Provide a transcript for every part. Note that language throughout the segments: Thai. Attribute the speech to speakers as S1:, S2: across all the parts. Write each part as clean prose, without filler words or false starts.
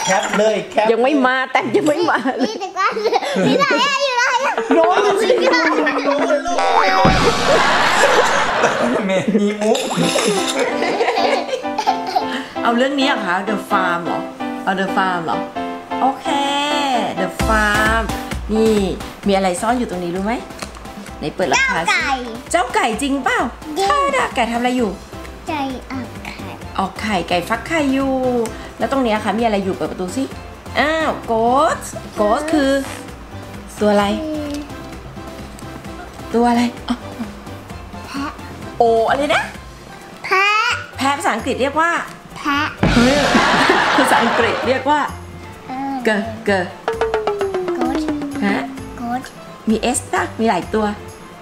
S1: คปเลยแคป
S2: ยังไม่มาแต่ยังไม่มา
S3: นี่แต่ก็นี่ไหนอะอยู่ไหนอะ
S2: โดนสิ
S1: เมมีมุก
S2: เอาเรื่องนี้อะคะ The Farm เหรอเอา The Farm เหรอโอเค The Farm นี่มีอะไรซ่อนอยู่ตรงนี้รู้ไหมไหนเปิดราคาสิเจ้าไก่จริงเปล่าใช่นะไก่ทำอะไรอยู่
S3: ไก่ออกไข่
S2: ไก่ฟักไข่อยู่แล้วตรงนี้ค่ะมีอะไรอยู่เปิดประตูสิอ้าวโกสคือตัวอะไร
S3: แพะ
S2: โออะไรนะ
S3: แพะ
S2: ภาษาอังกฤษเรียกว่า
S3: แพะ
S2: ภาษาอังกฤษเรียกว่าเกอฮะมีเอสนะมีหลายตัว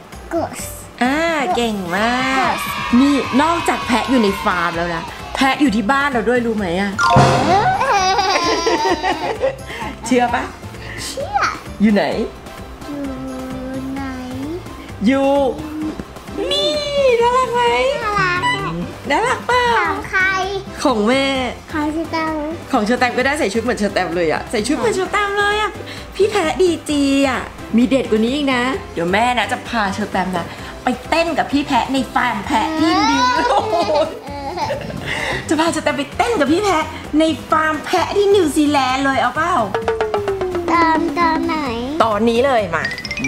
S2: เก่งมากนี่นอกจากแพะอยู่ในฟาร์มแล้วนะแพะอยู่ที่บ้านเราด้วยรู้ไหมอะเชื่อปะ
S3: เชื่อ
S2: อยู่ไหน
S3: อยู่
S2: นี่น่ารักไหมน่ารักป่ะ
S3: ของใคร
S2: ของแม่
S3: ของเชอร์แตม
S2: ก็ได้ใส่ชุดเหมือนเชอร์แตมเลยอะใส่ชุดเหมือนเชอร์แตมเลยอะพี่แพะดีจีอะมีเด็ดกว่านี้อีกนะเดี๋ยวแม่นะจะพาเชอร์แตมนะไปเต้นกับพี่แพะในฟาร์มแพะที่นิวจะพาเชอร์แตมไปเต้นกับพี่แพะในฟาร์มแพะที่นิวซีแลนด์เลยเอาเปล่า
S3: ตอนไหน
S2: ตอนนี้เลยมา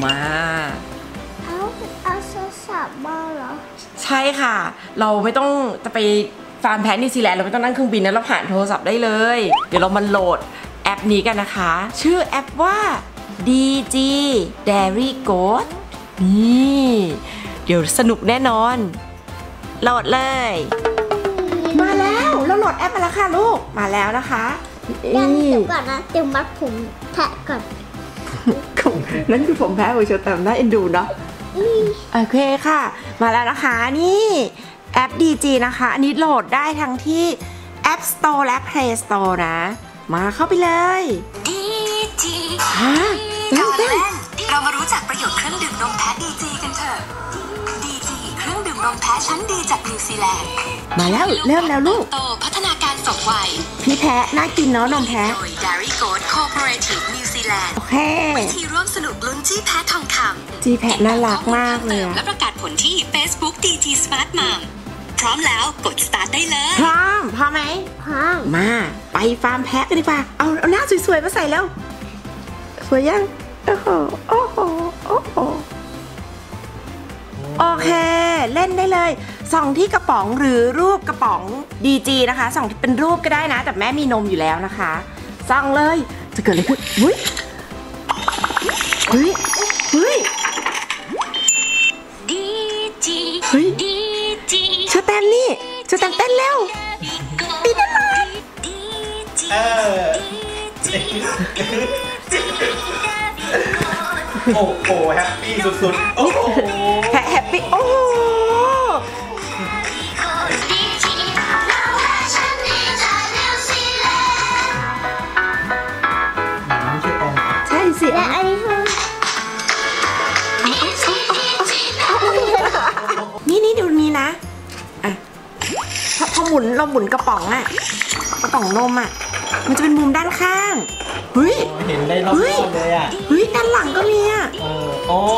S3: เอาโทรศัพท์มาเหรอ
S2: ใช่ค่ะเราไม่ต้องจะไปฟาร์มแพะนิวซีแลนด์เราไม่ต้องนั่งเครื่องบินนะเราผ่านโทรศัพท์ได้เลยเดี๋ยวเรามาโหลดแอปนี้กันนะคะชื่อแอปว่า DG Dairy Goat นี่เดี๋ยวสนุกแน่นอนโหลดเลยมาแล้วเราโหลดแอปมาแล้วค่ะลูกมาแล้วนะคะ
S3: เดี๋ยวก่อนนะเดี๋ยวมัดผมแพะก่อน
S2: นั่นคือผมแพะของเชอร์แตมน่าเอ็นดูเนาะโอเคค่ะมาแล้วนะคะนี่แอป DG นะคะอันนี้โหลดได้ทั้งที่ App Store และ Play Store นะมาเข้าไปเลย
S4: DG ก่อนเล่นเรามารู้จักประโยชน์เครื่องดื่มนมแพะ DG กันเถอะ DG เครื่องดื่มนมแพะชั้นดีจากนิวซีแลนด์
S2: มาแล้วเริ่มแล้วลูก
S4: โตพัฒนาการสมวัย
S2: พี่แพะน่ากินเนาะนมแพะ
S4: โดย Dairy Goat Cooperative New Zealand
S2: โอเค
S4: วิธีร่วมสนุกลุ้นจี้แพะทองคำ
S2: จี้แพะน่ารักมากเลย
S4: และประกาศผลที่ Facebook DG Smart Mom พร้อมแล้วกด start ได้เลย
S2: พร้อมไหม
S3: พร้อม
S2: มาไปฟาร์มแพะกันดีกว่าเอาหน้าสวยๆมาใส่แล้วสวยยังโอ้โหโอเคเล่นได้เลยส่องที่กระป๋องหรือรูปกระป๋อง DG นะคะส่องที่เป็นรูปก็ได้นะแต่แม่มีนมอยู่แล้วนะคะส่องเลยจะเกิดอะไรขึ้นเฮ้ย
S4: DG
S2: เชอร์แตมนี่เชอร์แตมเต้นเร็วตีได้เลย
S1: โอ้โหแฮปปี้สุดๆโอ้โห
S2: แฮปปี้โอ้ใช่สิ
S3: และอันนี้คือ
S2: นี่ดูนี้นะอ่ะพอเราหมุนกระป๋องอะกระป๋องนมอะมันจะเป็นมุมด้านข้างเฮ้ย
S1: เห็นได้รอบๆเลยอ่ะ
S2: ด้านหลังก็มีอ่ะ
S1: โอ้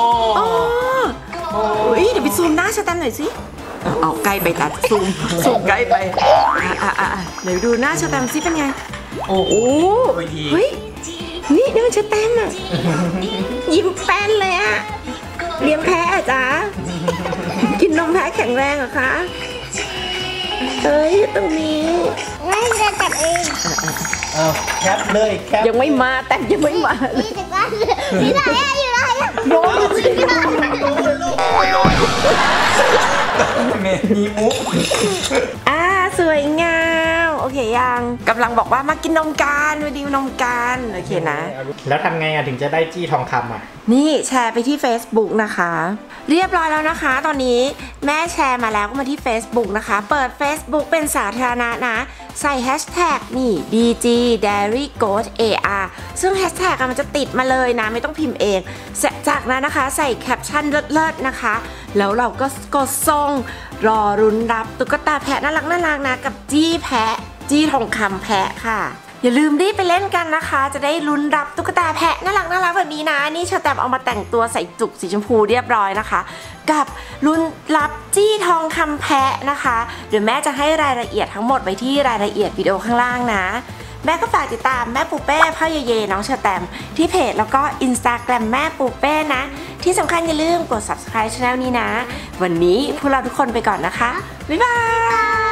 S2: เดี๋ยวไปซูมหน้าเชอร์แตมหน่อยสิเอาใกล้ไปตัดซูมใกล้ไปเดี๋ยวดูหน้าเชอร์แตมสิเป็นไงโอ้เฮ้ยนี่มันเชอร์แตมอ่ะยิ้มแป้นเลยอ่ะเลี้ยงแพะอ่ะจ๊ะกินนมแพะแข็งแรงเหรอคะตรงนี้
S3: ไม่ได้จับเอง
S1: แคปเลยแคป
S2: ยังไม่มาแต่ยังไม่มา
S3: นี่แต่ก็นี่ไหนอะอยู่ไหนอะ
S2: โดนสิ
S1: มีมุก
S2: สวยงามโอเคยังกำลังบอกว่ามากินนมกันมาดิวนมกันโอเคนะ
S1: แล้วทำไงถึงจะได้จี้ทองคำ
S2: นี่แชร์ไปที่ Facebook นะคะเรียบร้อยแล้วนะคะตอนนี้แม่แชร์มาแล้วก็มาที่ Facebook นะคะเปิด Facebook เป็นสาธารณะนะใส่แฮชแท็กนี่ DG Dairy Goat AR ซึ่งแฮชแท็กมันจะติดมาเลยนะไม่ต้องพิมพ์เองจากนั้นนะคะใส่แคปชั่นเลิศๆนะคะแล้วเราก็กดส่งรอรุ้นรับตุ๊กตาแพะน่ารักนะกับจี้ทองคำแพะค่ะอย่าลืมรีบไปเล่นกันนะคะ จะได้ลุ้นรับตุ๊กตาแพะน่ารักแบบนี้นะนี่เชอร์แตมเอามาแต่งตัวใส่จุกสีชมพูเรียบร้อยนะคะ กับลุ้นรับจี้ทองคำแพะนะคะเดี๋ยวแม่จะให้รายละเอียดทั้งหมดไว้ที่รายละเอียดวิดีโอข้างล่างนะแม่ก็ฝากติดตามแม่ปูเป้พ่อเยน้องเชอร์แตมที่เพจแล้วก็ Instagram แม่ปูเป้นะที่สำคัญอย่าลืมกด subscribe ช่องนี้นะวันนี้พวกเราทุกคนไปก่อนนะคะบ๊ายบาย